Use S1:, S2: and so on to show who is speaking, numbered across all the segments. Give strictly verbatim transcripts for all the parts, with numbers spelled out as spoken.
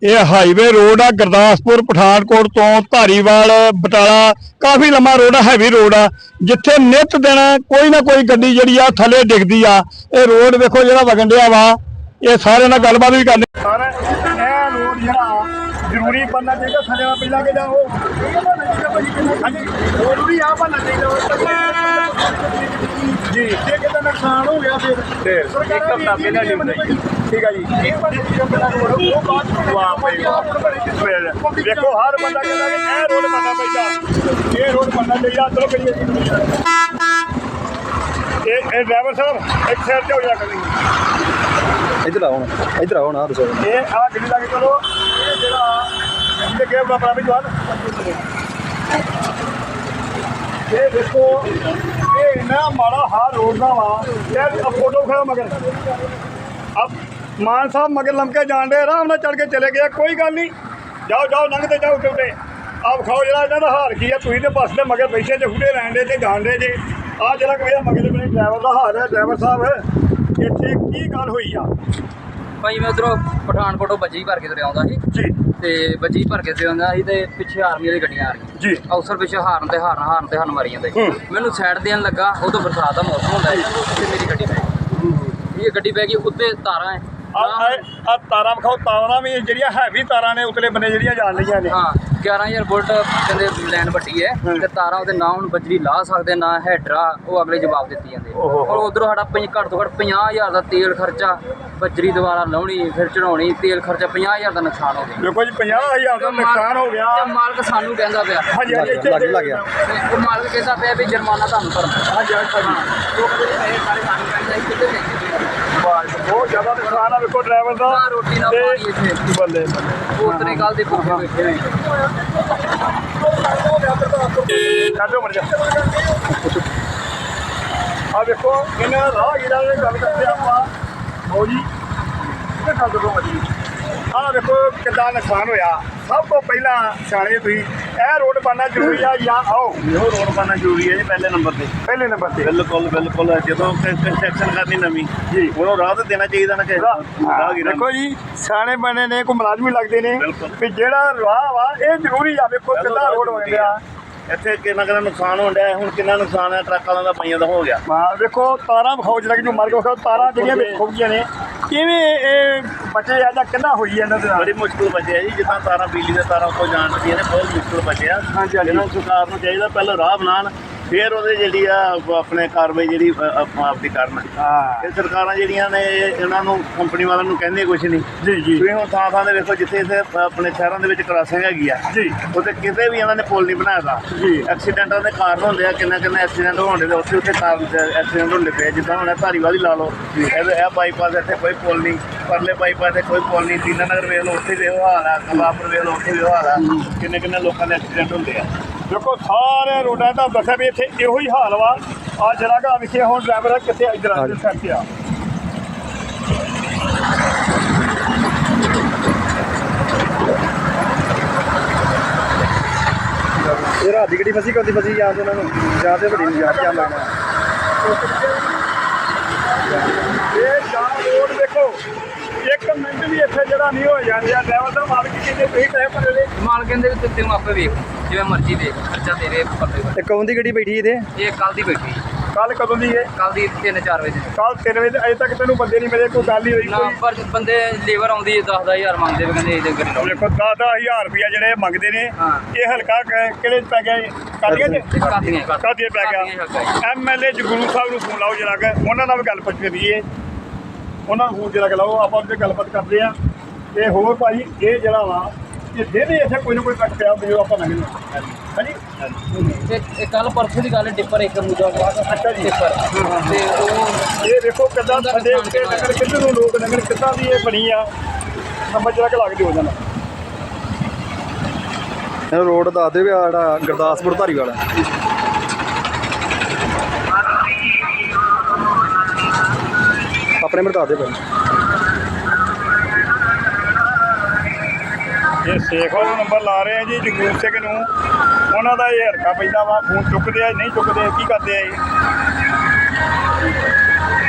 S1: ये highway road आ गुरदासपुर पठानकोट तो धारीवाल बटाला काफ़ी लंबा रोड है, हैवी रोड आ जिथे नित दिन कोई ना कोई गड्डी जिहड़ी आ थले डिगदी आ। ये रोड देखो जिहड़ा वगन दिया वा, ये सारे नाल गलबात भी करनी। सारा ये रोड जिहड़ा जरूरी बनना चाहिए थले नाल पहला के जाओ जरूरी आ बनना चाहिए जी। जे किते नुकसान हो गया फिर एक हफ्ता पहले नहीं बनाई, ठीक है जी। देखो हर बंदा कहता है ये रोड बनना चाहिए, ये रोड बनना चाहिए। चलो करिए ये ड्राइवर साहब एक साइड से हो जा करेंगे,
S2: इधर आओ ना, इधर आओ ना। दसो
S1: ये आ गड्डी लगे चलो ये जेड़ा इनके के बड़ा भी जवान ये देखो ये इतना माड़ा हाल रोड का वा। यार अब फोटो खड़ा मगर अब मान साहब मगर लमके जान रहे आराम ना चढ़ के चले गया, कोई गल नहीं, जाओ जाओ लंघते जाओ उठे उठे। आप खाओ जरा इन्हों का हाल की है, तुम तो बस के मगर बैठे जे फुटे लैन दे जान रहे जे आ जरा भैया मगर मेरे ड्राइवर का हाल है। ड्राइवर साहब इतने की गल हुई आ
S3: भाई मैं उधरों पठानकोटों बजी भर के तुरे आउंदा सी
S1: जी
S3: ते बजी भर के तुरे आउंदा सी ते पिछे आर्मी वाली गड्डियां आ रही
S1: जी
S3: अफसर पिछे हाਰਨ ते हाਰਨ हाਰਨ ते हाਰਨ मारी जांदे। मैनू साइड देन लगा उदों बरसात का मौसम होंदा है ते मेरी गड्डी पै ये गड्डी पै गई उत्ते तारां है
S1: आ तारा विखाओ, तारा भी जड़ियां हैवी तारा ने उतले बने जड़ियां जान लियां ने।
S3: हाँ ग्यारह हज़ार वोल्ट कहते लैन वड्डी है ते तारा उहदे ना हुण बजरी ला सकदे ना हैडरा, वो अगले जवाब दित्ती जांदे। और उधरों साडा घट तो घट पचास हज़ार का तेल खर्चा, बजरी दोबारा लाउणी फिर चढ़ाउणी, तेल खर्चा पचास हज़ार का नुकसान हो गया।
S1: देखो जी पचास हज़ार का नुकसान हो गया।
S3: मालक सानू कहंदा पिया
S1: हां जी
S2: लग लग गया
S3: वो मालक कहता पिया भी जुर्माना तुहानू भरना।
S1: हां जी बहुत ज़्यादा नुकसान है। देखो ड्राइवर का
S3: रोटी ना पानी इत्थे
S1: बल्ले
S3: उतने कल दे भुखे बैठे हुए
S1: काटो मर जा। आ देखो इन राहगीरां ने गल करते आप हो जी ये गल दसो मजी आ देखो कितना नुकसान होया। सब तो पहला सियाणे तुसीं ਇਹ रोड बनना जरूरी है या आओ
S4: ਇਹੋ रोड बनना जरूरी है जी पहले नंबर पे।
S1: पहले नंबर पे
S4: बिल्कुल बिल्कुल जो कंस्ट्रक्शन करनी नवी
S1: जी
S4: ਉਹਨੂੰ ਰਾਹ ਤਾਂ ਦੇਣਾ ਚਾਹੀਦਾ ਨਾ ਕਿ ਰਾਹਗੀਰਾਂ
S1: देखो जी सियाणे बने ने कोई मुलाजम भी लगते ने
S4: बिल्कुल।
S1: भी जेड़ा राह वा ये जरूरी आ। देखो कितना रोड बन गया
S4: ਇੱਥੇ ਕਿੰਨਾ ਕਿੰਨਾ ਨੁਕਸਾਨ ਹੋਣ ਡਿਆ ਹੁਣ ਕਿੰਨਾ ਨੁਕਸਾਨ ਹੈ ਟਰੱਕ ਵਾਲਿਆਂ ਦਾ ਪਈਆਂ ਦਾ ਹੋ ਗਿਆ।
S1: ਹਾਂ ਦੇਖੋ ਤਾਰਾਂ ਵਿਖਾਓ ਜਿਹੜਾ ਕਿ ਮਾਰ ਕੇ ਵਿਖਾਓ ਤਾਰਾਂ ਜਿਹੜੀਆਂ ਵੇਖੋ ਗਈਆਂ ਨੇ ਕਿਵੇਂ ਇਹ ਬਚੇ ਆ ਜਾਂ ਕਿੰਨਾ ਹੋਈ ਇਹਨਾਂ ਦੇ ਨਾਲ।
S4: ਬੜੀ ਮੁਸ਼ਕਿਲ ਬਚਿਆ ਜੀ ਜਿੱਦਾਂ ਤਾਰਾਂ ਬਿਜਲੀ ਦੇ ਤਾਰਾਂ ਉੱਤੋਂ ਜਾਣ ਦੀਆਂ ਨੇ ਬਹੁਤ ਮੁਸ਼ਕਿਲ ਬਚਿਆ।
S1: ਹਾਂਜੀ ਹਾਂਜੀ
S4: ਇਹਨਾਂ ਨੂੰ ਸਰਕਾਰ ਨੂੰ ਚਾਹੀਦਾ ਪਹਿਲਾਂ ਰਾਹ ਬਣਾਉਣ ਫਿਰ ਉਹਦੇ ਜਿਹੜੀ ਆ ਆਪਣੇ ਕਾਰਵਾਈ ਜਿਹੜੀ ਆਪਾਂ ਆਪਦੀ ਕਰਨ।
S1: ਹਾਂ
S4: ਇਹ ਸਰਕਾਰਾਂ ਜਿਹੜੀਆਂ ਨੇ ਇਹਨਾਂ ਨੂੰ ਕੰਪਨੀ ਵਾਲਿਆਂ ਨੂੰ ਕਹਿੰਦੇ ਕੁਛ ਨਹੀਂ
S1: ਜੀ ਜੀ
S4: ਤੁਸੀਂ ਹੁਣ ਥਾਂ ਥਾਂ ਦੇ ਵੇਖੋ ਜਿੱਥੇ ਇੱਥੇ ਆਪਣੇ ਸ਼ਹਿਰਾਂ ਦੇ ਵਿੱਚ ਕ੍ਰਾਸਿੰਗ ਹੈਗੀ ਆ
S1: ਜੀ
S4: ਉੱਥੇ ਕਿਤੇ ਵੀ ਇਹਨਾਂ ਨੇ ਪੁਲ ਨਹੀਂ ਬਣਾਇਆ ਦਾ।
S1: ਜੀ
S4: ਐਕਸੀਡੈਂਟਾਂ ਦੇ ਕਾਰਨ ਹੁੰਦੇ ਆ, ਕਿੰਨਾ ਕਿੰਨਾ ਐਕਸੀਡੈਂਟ ਹੋਣ ਦੇ ਉੱਥੇ ਉੱਥੇ ਕਾਰਨ ਐਕਸੀਡੈਂਟ ਹੁੰਦੇ ਪਏ। ਜਿੱਦਾਂ ਹੁਣ ਧਾਰੀਵਾਲ ਹੀ ਲਾ ਲਓ, ਇਹ ਇਹ ਬਾਈਪਾਸ ਇੱਥੇ ਕੋਈ ਪੁਲ ਨਹੀਂ, ਪਰਲੇ ਬਾਈਪਾਸ 'ਤੇ ਕੋਈ ਪੁਲ ਨਹੀਂ, ਦੀਨਾ ਨਗਰ ਵੇਖ ਲਓ ਉੱਥੇ ਵੀ ਇਹੋ ਹਾਲ ਆ, ਕਲਾਪੁਰ ਵੇਖ ਲਓ ਉੱਥੇ ਵੀ ਇਹੋ ਹਾਲ ਆ। ਕਿੰਨੇ ਕਿੰਨੇ ਲੋਕਾਂ ਦੇ ਐਕਸੀਡੈਂਟ ਹੁੰਦੇ ਆ।
S1: ਦੇਖੋ ਸਾਰੇ ਰੋਡਾਂ ਦਾ ਦੱਸਿਆ ਵੀ ਇੱਥੇ ਇਹੋ ਹੀ ਹਾਲ ਵਾ। ਆ ਜਰਾ ਗਾ ਵਿਖੇ ਹੁਣ ਡਰਾਈਵਰ ਕਿੱਥੇ ਇੱਧਰ ਆ ਸਾਈਡ ਤੇ ਆ
S2: ਇਹ ਰਾਤ ਦੀ ਗੱਡੀ ਫਸੀ ਕਦੀ ਫਸੀ ਜਾਂ ਉਹਨਾਂ ਨੂੰ ਜਾਂ ਤੇ ਵੱਡੀ ਨੂੰ ਜਾਂ ਜਾਂ ਲੈਣਾ।
S1: ਇਹ ਜਾਂ ਰੋਡ ਦੇਖੋ ਇੱਕ ਮਿੰਟ ਵੀ ਇੱਥੇ ਜਿਹੜਾ ਨਹੀਂ ਹੋ ਜਾਂਦੇ ਆ। ਡਰਾਈਵਰ ਦਾ ਮਾਲਕ ਕਹਿੰਦੇ ਤੁਸੀਂ ਟਾਈਮ ਭਰੇ ਦੇ
S3: ਮਾਲ ਕਹਿੰਦੇ ਵੀ ਤੂੰ ਆਪੇ ਵੇਖ ਜਿਵੇਂ ਮਰਜ਼ੀ ਦੇਖ ਖਰਚਾ ਤੇਰੇ ਪੱਲੇ
S2: ਤੇ ਕੌਣ ਦੀ ਗੱਡੀ ਬੈਠੀ ਇਹਦੇ?
S3: ਇਹ ਕੱਲ ਦੀ ਬੈਠੀ
S1: ਕੱਲ ਕਦੋਂ ਦੀ ਹੈ?
S3: ਕੱਲ ਦੀ ਤਿੰਨ ਚਾਰ ਵਜੇ
S1: ਕੱਲ ਤਿੰਨ ਵਜੇ ਅਜੇ ਤੱਕ ਤੈਨੂੰ ਬੰਦੇ ਨਹੀਂ ਮਿਲੇ, ਕੋਈ ਗੱਲ ਨਹੀਂ ਹੋਈ
S3: ਨਾ
S1: ਕੋਈ?
S3: ਪਰ ਬੰਦੇ ਲੇਬਰ ਆਉਂਦੀ ਦਸ ਦਸ ਹਜ਼ਾਰ ਮੰਗਦੇ ਵੀ ਕਹਿੰਦੇ ਇਹਦੇ ਗੱਡੀ ਲਾਓ।
S1: ਦੇਖੋ ਦਸ ਦਸ ਹਜ਼ਾਰ ਰੁਪਇਆ ਜਿਹੜੇ ਮੰਗਦੇ ਨੇ
S3: ਹਾਂ।
S1: ਇਹ ਹਲਕਾ ਕ- ਕਿਹੜੇ 'ਚ ਪੈ ਗਿਆ? ਕਾਦੀਆਂ ਚ
S3: ਕਾਦੀਆਂ
S1: ਕਾਦੀਆਂ ਪੈ ਗਿਆ। ਐਮ ਐਲ ਏ ਜਗਰੂ ਸਾਹਿਬ ਨੂੰ ਫੋਨ ਲਾਓ ਜਰਾ ਕਿ ਉਹਨਾਂ ਨਾਲ ਵੀ ਗੱਲ ਪੁੱਛ ਕਰੀਏ। ਉਹਨਾਂ ਨੂੰ ਫੋਨ ਜਰਾ ਕਿ ਲਾਓ, ਆਪਾਂ ਉਹਦੇ ਗੱਲਬਾਤ ਕਰਦੇ ਆ। ਤੇ ਹੋਰ ਭਾਈ ਇਹ ਜਿਹੜਾ ਵਾ ਇਹ ਜਿਹਦੇ ਇੱਥੇ ਕੋਈ ਨਾ ਕੋਈ ਕੱਟ ਪਿਆ ਜਦੋਂ ਆਪਾਂ ਲੰਘਦੇ ਹਾਂ ਹਾਂਜੀ
S3: ਇਹ ਕੱਲ ਪਰਸੋਂ ਦੀ ਗੱਲ ਡਿੱਪਰ ਇੱਕ ਮੁੰਡਾ
S1: ਅੱਛਾ ਜੀ।
S3: ਡਿੱਪਰ ਤੇ ਉਹ
S1: ਇਹ ਦੇਖੋ ਕਿੱਦਾਂ ਸਾਡੇ ਉੱਤੇ ਨਗਰ ਕਿੱਧਰ ਨੂੰ ਲੋਕ ਨਗਰ ਕਿੱਦਾਂ ਦੀ ਇਹ ਬਣੀ ਆ। ਨੰਬਰ ਜਰਾ ਕਿ ਲੱਗਦੇ ਹੋ ਜਾਣਾ।
S2: ਇਹ ਰੋਡ ਦੱਸ ਦੇ ਵੀ ਆ ਜਿਹੜਾ ਗੁਰਦਾਸਪੁਰ ਧਾਰੀਵਾਲ ਹੈ। ਆਪਣੇ ਮਰ ਦੱਸ ਦੇ ਪਹਿਲਾਂ।
S1: ਇਹ ਸੇਖ ਵਾਲਾ ਨੰਬਰ ਲਾ ਰਹੇ ਆ ਜੀ ਜਗਰੂਪ ਸਿੰਘ ਨੂੰ। ਉਹਨਾਂ ਦਾ ਇਹ ਹਰਕਾ ਪੈਂਦਾ ਵਾ, ਫੋਨ ਚੁੱਕਦੇ ਆ ਨਹੀਂ ਚੁੱਕਦੇ ਕੀ ਕਰਦੇ ਆ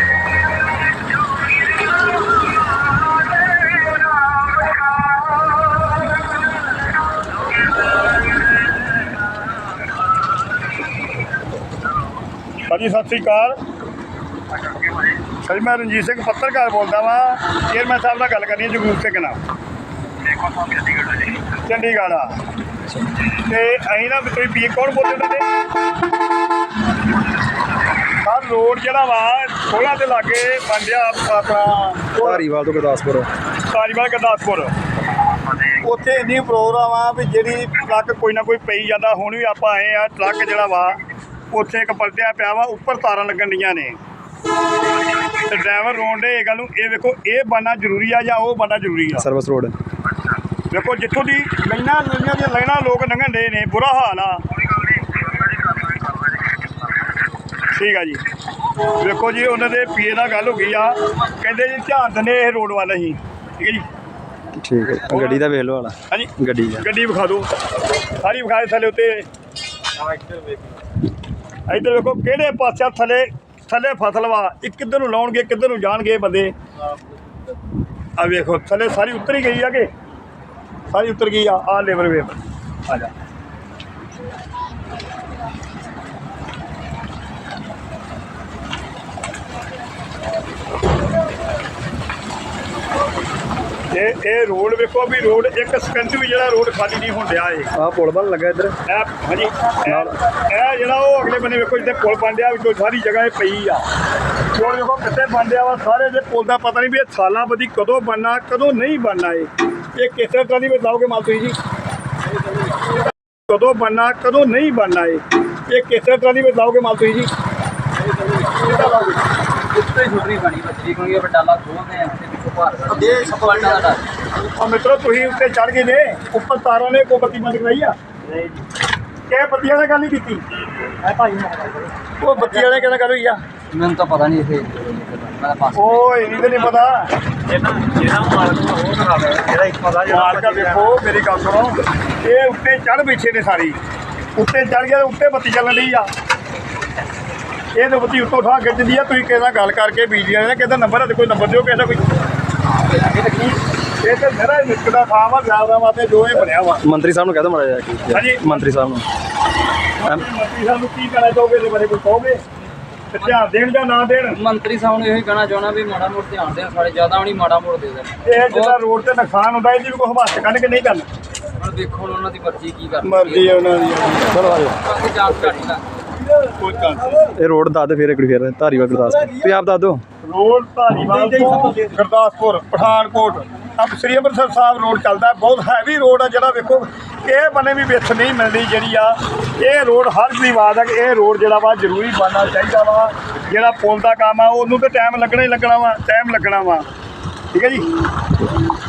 S1: ਇਹ। ਭਾਜੀ ਸਤਿ ਸ੍ਰੀ ਅਕਾਲ। ਸਰ ਮੈਂ ਰਣਜੀਤ ਸਿੰਘ ਪੱਤਰਕਾਰ ਬੋਲਦਾ ਵਾਂ। ਚੇਅਰਮੈਨ ਸਾਹਿਬ ਨਾਲ ਗੱਲ ਕਰਨੀ ਹੈ ਜਗਰੂਪ ਸਿੰਘ ਨਾਲ। ਚੰਡੀਗੜ੍ਹ ਆ ਤੇ ਅਸੀਂ ਨਾ ਤੁਸੀਂ ਪੀ ਕੌਣ ਬੋਲਦੇ ਉਹਨਾਂ ਦੇ ਸਰ ਰੋਡ ਜਿਹੜਾ ਵਾ ਸੋਲਾਂ ਦੇ ਲਾਗੇ ਬਣਿਆ ਆਪਣਾ
S2: ਧਾਰੀਵਾਲ ਤੋਂ ਗੁਰਦਾਸਪੁਰ
S1: ਧਾਰੀਵਾਲ ਗੁਰਦਾਸਪੁਰ। ਉੱਥੇ ਇੰਨੀ ਪ੍ਰੋਗਰਾਮ ਆ ਵੀ ਜਿਹੜੀ ਟਰੱਕ ਕੋਈ ਨਾ ਕੋਈ ਪਈ ਜਾਂਦਾ। ਹੁਣ ਵੀ ਆਪਾਂ ਆਏ ਆ ਟਰੱਕ ਜਿਹੜਾ ਵਾ ਉੱਥੇ ਇੱਕ ਪਲਟਿਆ ਪਿਆ ਵਾ, ਉੱਪਰ ਤਾਰਾਂ ਲੱਗਣ ਡੀਆਂ ਨੇ ਤੇ ਡਰਾਈਵਰ ਰੋਣ ਦੇ ਇਹ ਗੱਲ ਨੂੰ। ਇਹ ਵੇਖੋ ਇਹ ਬਣਨਾ ਜ਼ਰੂਰੀ ਆ ਜਾਂ ਉਹ ਬਣਨਾ ਜ਼ਰੂਰੀ ਆ?
S2: ਸਰਵਿਸ ਰੋਡ
S1: ਵੇਖੋ ਜਿੱਥੋਂ ਦੀ ਲਾਈਨਾਂ ਲਾਈਨਾਂ ਦੀਆਂ ਲਾਈਨਾਂ ਲੋਕ ਲੰਘਣ ਡੇ ਨੇ, ਬੁਰਾ ਹਾਲ ਆ। ਠੀਕ ਆ ਜੀ। ਵੇਖੋ ਜੀ ਉਹਨਾਂ ਦੇ ਪੀਏ ਨਾਲ ਗੱਲ ਹੋ ਗਈ ਆ, ਕਹਿੰਦੇ ਜੀ ਧਿਆਨ ਦਿੰਦੇ ਇਹ ਰੋਡ ਵੱਲ ਅਸੀਂ। ਠੀਕ ਹੈ ਜੀ।
S2: ਠੀਕ ਹੈ। ਗੱਡੀ ਦਾ ਵੇਖ ਲਓ ਵਾਲਾ।
S1: ਹਾਂਜੀ
S2: ਗੱਡੀ ਦਾ
S1: ਗੱਡੀ ਵਿਖਾ ਦਿਓ ਸਾਰੀ, ਵਿਖਾ ਦੇ ਥੱਲੇ ਉੱਤੇ। ਇੱਧਰ ਵੇਖੋ ਕਿਹੜੇ ਪਾਸੇ ਥੱਲੇ ਥੱਲੇ ਫਸਲ ਵਾ। ਇਹ ਕਿੱਧਰ ਨੂੰ ਲਾਉਣਗੇ ਕਿੱਧਰ ਨੂੰ ਜਾਣਗੇ ਬੰਦੇ। ਆ ਵੇਖੋ ਥੱਲੇ ਸਾਰੀ ਉਤਰ ਹੀ ਗਈ ਆ ਕਿ ਸਾਰੀ ਉਤਰ ਗਈ ਆ। ਆ ਲੇਬਰ ਵੇਖ ਆ ਜਾ। ਇਹ ਇਹ ਰੋਡ ਵੇਖੋ ਵੀ ਰੋਡ ਇੱਕ ਸਕਿੰਟ ਵੀ ਜਿਹੜਾ ਰੋਡ ਖਾਲੀ ਨਹੀਂ ਹੋਣ ਡਿਆ ਇਹ।
S2: ਆਹ ਪੁਲ ਬਣ ਲੱਗਾ ਇੱਧਰ।
S1: ਇਹ ਹਾਂਜੀ ਇਹ ਇਹ ਜਿਹੜਾ ਉਹ ਅਗਲੇ ਬੰਨੇ ਵੇਖੋ ਜਿੱਥੇ ਪੁਲ ਬਣ ਡਿਆ ਵਿੱਚੋਂ ਸਾਰੀ ਜਗ੍ਹਾ ਇਹ ਪਈ ਆ। ਪੁਲ ਵੇਖੋ ਕਿੱਥੇ ਬਣ ਡਿਆ ਵਾ। ਸਾਰੇ ਦੇ ਪੁਲ ਦਾ ਪਤਾ ਨਹੀਂ ਵੀ ਇਹ ਸਾਲਾਂ ਬੱਧੀ ਕਦੋਂ ਬਣਨਾ ਕਦੋਂ ਨਹੀਂ ਬਣਨਾ। ਇਹ ਇਹ ਕਿਸ ਤਰ੍ਹਾਂ ਦੀ ਬਤਾਓਗੇ ਮਾਲ ਤੁਸੀਂ ਜੀ? ਕਦੋਂ ਬਣਨਾ ਕਦੋਂ ਨਹੀਂ ਬਣਨਾ। ਇਹ ਇਹ ਕਿਸ ਤਰ੍ਹਾਂ ਦੀ ਬਤਾਓਗੇ ਮਾਲ ਤੁਸੀਂ ਜੀ?
S3: ਉੱਤੇ ਛੁੱਟਣੀ ਬਣੀ ਬੱਚੀ ਕਿਉਂਕਿ ਬਟਾਲਾ ਖੋਲਦੇ ਆ ਤੇ ਪਿੱਛੋਂ ਭਾਰ ਦੇ ਸਭ ਵੱਡਾ ਦਾ।
S1: ਆ ਮਿੱਤਰੋ ਤੁਸੀਂ ਉੱਤੇ ਚੜ ਗਏ ਨੇ, ਉੱਪਰ ਤਾਰਾਂ ਨੇ ਕੋਈ ਬੱਤੀ ਬੰਦ ਕਰਾਈ ਆ? ਨਹੀਂ। ਕਿਹ ਬੱਤੀਆਂ ਨਾਲ ਗੱਲ ਨਹੀਂ ਕੀਤੀ? ਐ ਭਾਈ ਉਹ ਬੱਤੀ ਵਾਲੇ ਕਿਹਨਾਂ ਗੱਲ ਹੋਈ ਆ?
S3: ਮੈਨੂੰ ਤਾਂ ਪਤਾ ਨਹੀਂ ਇਹ ਮੈਂ ਪਾਸ
S1: ਉਹ ਇਹਨੀ ਤੇ ਨਹੀਂ ਪਤਾ।
S2: ਜਿਹੜਾ ਜਿਹੜਾ ਮਾਲਕ ਉਹ ਕਰਾਵੇ ਜਿਹੜਾ ਇੱਕ ਪਤਾ
S1: ਮਾਲਕਾ ਵੇਖੋ ਮੇਰੀ ਗੱਲ ਸੁਣੋ। ਇਹ ਉੱਤੇ ਚੜ ਬੈਠੇ ਨੇ ਸਾਰੀ, ਉੱਤੇ ਚੜ ਗਿਆ ਉੱਤੇ ਬੱਤੀ ਚੱਲਣ ਡਈ ਆ। ਇਹ ਤਾਂ ਬੱਤੀ ਉੱਤੋਂ ਠਾ ਖਿੱਚਦੀ ਆ। ਤੁਸੀਂ ਕਿਸੇ ਨਾਲ ਗੱਲ ਕਰਕੇ ਬਿਜਲੀ ਵਾਲੇ ਨੇ ਕਿਹਦਾ ਨੰਬਰ ਹੈ ਤੇ ਕੋਈ ਨੰਬਰ ਦਿਓ ਕਿਸੇ ਦਾ ਕੋਈ। ਇਹ ਤਾਂ ਮੇਰਾ ਨਿੱਕ ਦਾ ਥਾਂ ਵਾ ਜ਼ਿਆਦਾ ਵਾਸਤੇ ਜੋ ਇਹ ਬਣਿਆ ਵਾ।
S2: ਮੰਤਰੀ ਸਾਹਿਬ ਨੂੰ ਕਹਿ ਦੋ ਮਾੜਾ ਜਿਹਾ।
S1: ਹਾਂਜੀ
S2: ਮੰਤਰੀ ਸਾਹਿਬ ਨੂੰ
S1: ਮੰਤਰੀ ਸਾਹਿਬ ਨੂੰ ਕੀ ਕਹਿਣਾ ਚਾਹੋਗੇ ਇਹਦੇ ਬਾਰੇ ਕੋਈ ਕਹੋਗੇ? ਤੇ ਧਿਆਨ ਦੇਣ ਜਾਂ ਨਾ ਦੇਣ?
S3: ਮੰਤਰੀ ਸਾਹਿਬ ਨੂੰ ਇਹੀ ਕਹਿਣਾ ਚਾਹੁੰਦਾ ਵੀ ਮਾੜਾ ਮੋੜ ਧਿਆਨ ਦੇਣ। ਸਾਡੇ ਜ਼ਿਆਦਾ ਵੀ ਨਹੀਂ ਮਾੜਾ ਮੋੜ ਦੇ ਦੇਣ।
S1: ਇਹ ਜਿਹੜਾ ਰੋਡ ਤੇ ਨੁਕਸਾਨ ਹੁੰਦਾ ਇਹਦੀ ਵੀ ਕੋਈ ਹਵਾਸ ਕੱਢ ਕੇ ਨਹੀਂ ਕਰਨਾ।
S3: ਹੁਣ ਦੇਖੋ ਹੁਣ ਉਹਨਾਂ ਦੀ ਮਰਜ਼ੀ ਕੀ ਕਰਨੀ।
S1: ਮਰਜ਼ੀ ਹੈ ਉਹਨਾਂ ਦੀ।
S2: ਚਲੋ ਆ ਜਾਓ।
S3: ਬਾਕੀ ਜਾਂਚ ਘਾਟੀ ਦਾ
S1: ਕੋਈ ਚਾਂਸ
S2: ਇਹ ਰੋਡ ਦੱਸ ਦੇ ਫਿਰ ਇੱਕ ਵਾਰੀ ਫਿਰ ਧਾਰੀਵਾਲ ਗੁਰਦਾਸਪੁਰ ਤੁਸੀਂ ਆਪ ਦੱਸ ਦਿਓ।
S1: ਰੋਡ ਧਾਰੀਵਾਲ ਤੋਂ ਗੁਰਦਾਸਪੁਰ ਪਠਾਨਕੋਟ ਅਬ ਸ੍ਰੀ ਅੰਮ੍ਰਿਤਸਰ ਸਾਹਿਬ ਰੋਡ ਚੱਲਦਾ। ਬਹੁਤ ਹੈਵੀ ਰੋਡ ਆ ਜਿਹੜਾ ਵੇਖੋ ਇਹ ਬੰਨੇ ਵੀ ਵਿੱਥ ਨਹੀਂ ਮਿਲਦੀ ਜਿਹੜੀ ਆ। ਇਹ ਰੋਡ ਹਰ ਦੀ ਆਵਾਜ਼ ਆ ਕਿ ਇਹ ਰੋਡ ਜਿਹੜਾ ਵਾ ਜ਼ਰੂਰੀ ਬਣਨਾ ਚਾਹੀਦਾ ਵਾ। ਜਿਹੜਾ ਪੁਲ ਦਾ ਕੰਮ ਆ ਉਹਨੂੰ ਤਾਂ ਟਾਈਮ ਲੱਗਣਾ ਹੀ ਲੱਗਣਾ ਵਾ, ਟਾਈਮ ਲੱਗਣਾ ਵਾ। ਠੀਕ ਹੈ ਜੀ।